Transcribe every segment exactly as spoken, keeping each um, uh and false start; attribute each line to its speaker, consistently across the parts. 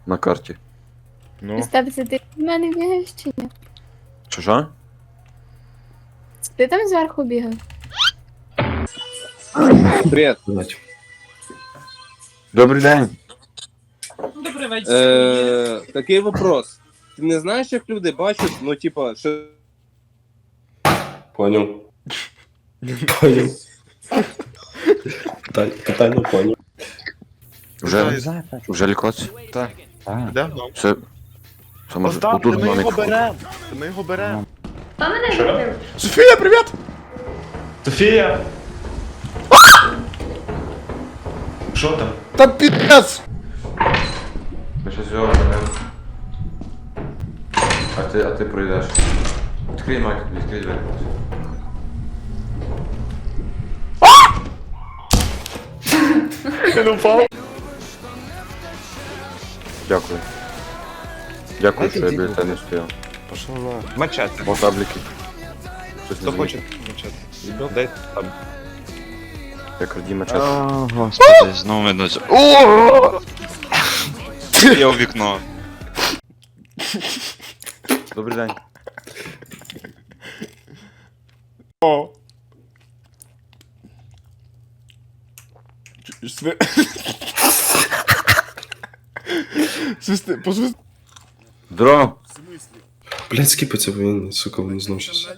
Speaker 1: на карті.
Speaker 2: Ну,
Speaker 3: Степ, це ти в мене бігаєш чи ні?
Speaker 1: Що що?
Speaker 3: Це ти там зверху бігав?
Speaker 4: Привет.
Speaker 1: Добрий день.
Speaker 4: Е, такий вопрос. Ти не знаєш, як люди бачать, ну, типа, що...
Speaker 5: Понял. Понял. Питання, питання понял.
Speaker 1: Вже, вже лікуватися?
Speaker 2: так.
Speaker 6: Йдемо? Ну.
Speaker 1: Все. Це може
Speaker 6: Остап,
Speaker 1: отут
Speaker 6: ми його
Speaker 1: динамік.
Speaker 6: беремо. Ми його беремо.
Speaker 2: Софія, привіт!
Speaker 5: Софія! Що там?
Speaker 2: Та пі***ц!
Speaker 1: Ми ще зробимо, не? А ти, а ти пройдеш. Відкрий, Майк, відкрий двері.
Speaker 5: Він упав.
Speaker 1: Дякую. Дякую, що я
Speaker 2: Дайте
Speaker 1: біля тебе не стояв.
Speaker 2: Пошла на.
Speaker 6: Мачете.
Speaker 1: О, табліки. Щось не
Speaker 6: Хто хоче
Speaker 1: замітив.
Speaker 6: мачете? Дай там.
Speaker 1: Я краді мечет.
Speaker 7: О, господи, знову мене. О! Я у вікно.
Speaker 1: Добрий день.
Speaker 2: О! Ч- сви- Свисти, посвисти.
Speaker 1: Здорово.
Speaker 5: Блядь, скипаться, бо він, сука, він знов щас.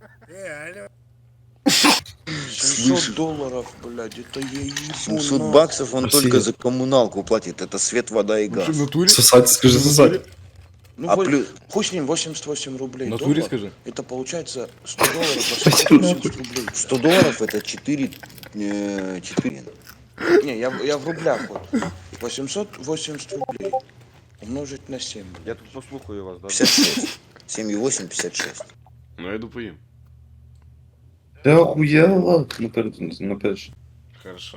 Speaker 8: семьсот долларов, блядь, это я ебу.
Speaker 9: семьсот
Speaker 8: нахуй.
Speaker 9: баксов он
Speaker 5: Спасибо.
Speaker 9: только за коммуналку платит. Это свет, вода и
Speaker 2: Ти в
Speaker 9: газ.
Speaker 2: натурі?
Speaker 5: Сосать, скажи, сосать.
Speaker 8: Ну,
Speaker 9: А
Speaker 8: вот,
Speaker 9: плюс...
Speaker 8: хуй с ним, восемьдесят восемь рублей.
Speaker 2: В натурі
Speaker 8: доллар.
Speaker 2: скажи.
Speaker 8: Это получается сто долларов, восемьсот восемьдесят рублей.
Speaker 9: сто долларов это четыре... Э, четыре.
Speaker 8: Не, я, я в рублях вот. восемьсот восемьдесят рублей умножить на семь.
Speaker 1: Я тут послухаю вас, да?
Speaker 9: пятьдесят шесть. семь и восемь, пятьдесят шесть.
Speaker 2: Ну я йду поїм.
Speaker 5: Ти охуєла? Наперед, наперед.
Speaker 2: Хорошо.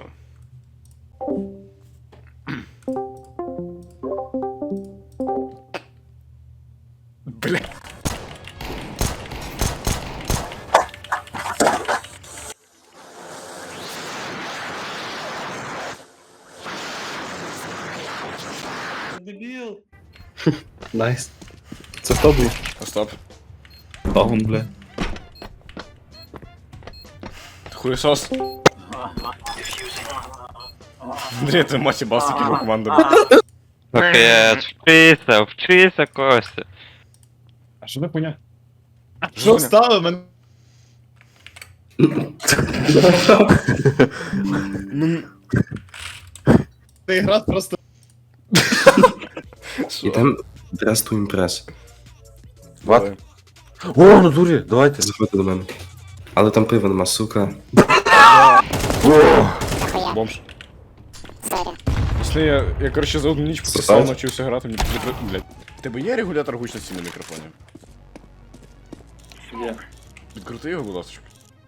Speaker 2: Бля.
Speaker 5: Найс. Це хто був?
Speaker 2: Остап.
Speaker 5: Багун, бля.
Speaker 2: Ти хуєсос? Андрій, ти мать їбав з такими командами.
Speaker 7: Пакет, вчися, вчися, Костя.
Speaker 5: А що ви поня?
Speaker 2: Що
Speaker 6: стало? Мен...
Speaker 2: Ну,
Speaker 6: Ти гра просто...
Speaker 5: Ідем дрес ту імпрес.
Speaker 1: Ват? О, натурі, давайте.
Speaker 5: Заходьте до мене. Але там пива нема, сука.
Speaker 2: бомж. Якщо я, я, короче, за одну ніч
Speaker 5: Сосать?
Speaker 2: пописав, навчився грати, мені прикро... Блядь. В тебе є регулятор гучності на мікрофоні?
Speaker 4: Є.
Speaker 2: Відкрути його, будь ласка.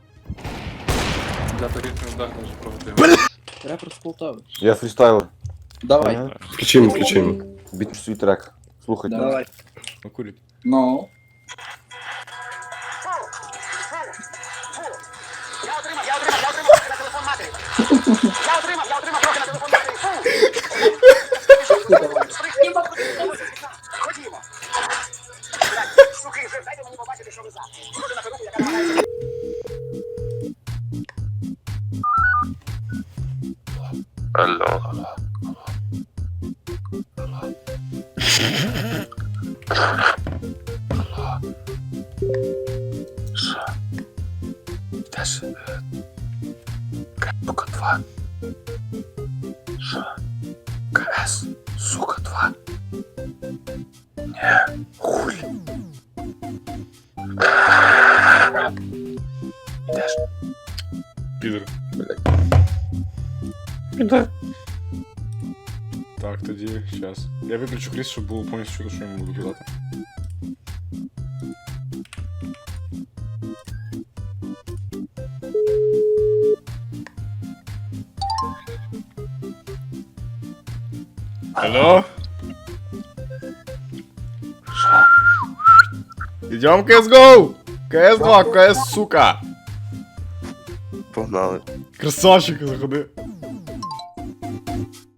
Speaker 4: Для тарифних ударів вже проводив.
Speaker 10: Репер з Полтави.
Speaker 1: Я фрістайлер.
Speaker 10: Давай.
Speaker 1: Ага.
Speaker 5: Включимо, включимо.
Speaker 1: Біть свій трек. Слухайте.
Speaker 10: Давай.
Speaker 2: Ну, курить.
Speaker 10: Ну.
Speaker 7: Алло.
Speaker 1: Теж. Сука два. Що? КС. Сука два. Не. Хуй. Ідеш.
Speaker 2: Підер.
Speaker 1: Піде.
Speaker 2: Так, тоді, щас. Я виключу кріс, щоб було повністю чути, що я йому буду казати. Алло? Идем в кс гоу! кс два, кс, сука!
Speaker 9: Погнали.
Speaker 2: Красавчик, заходи.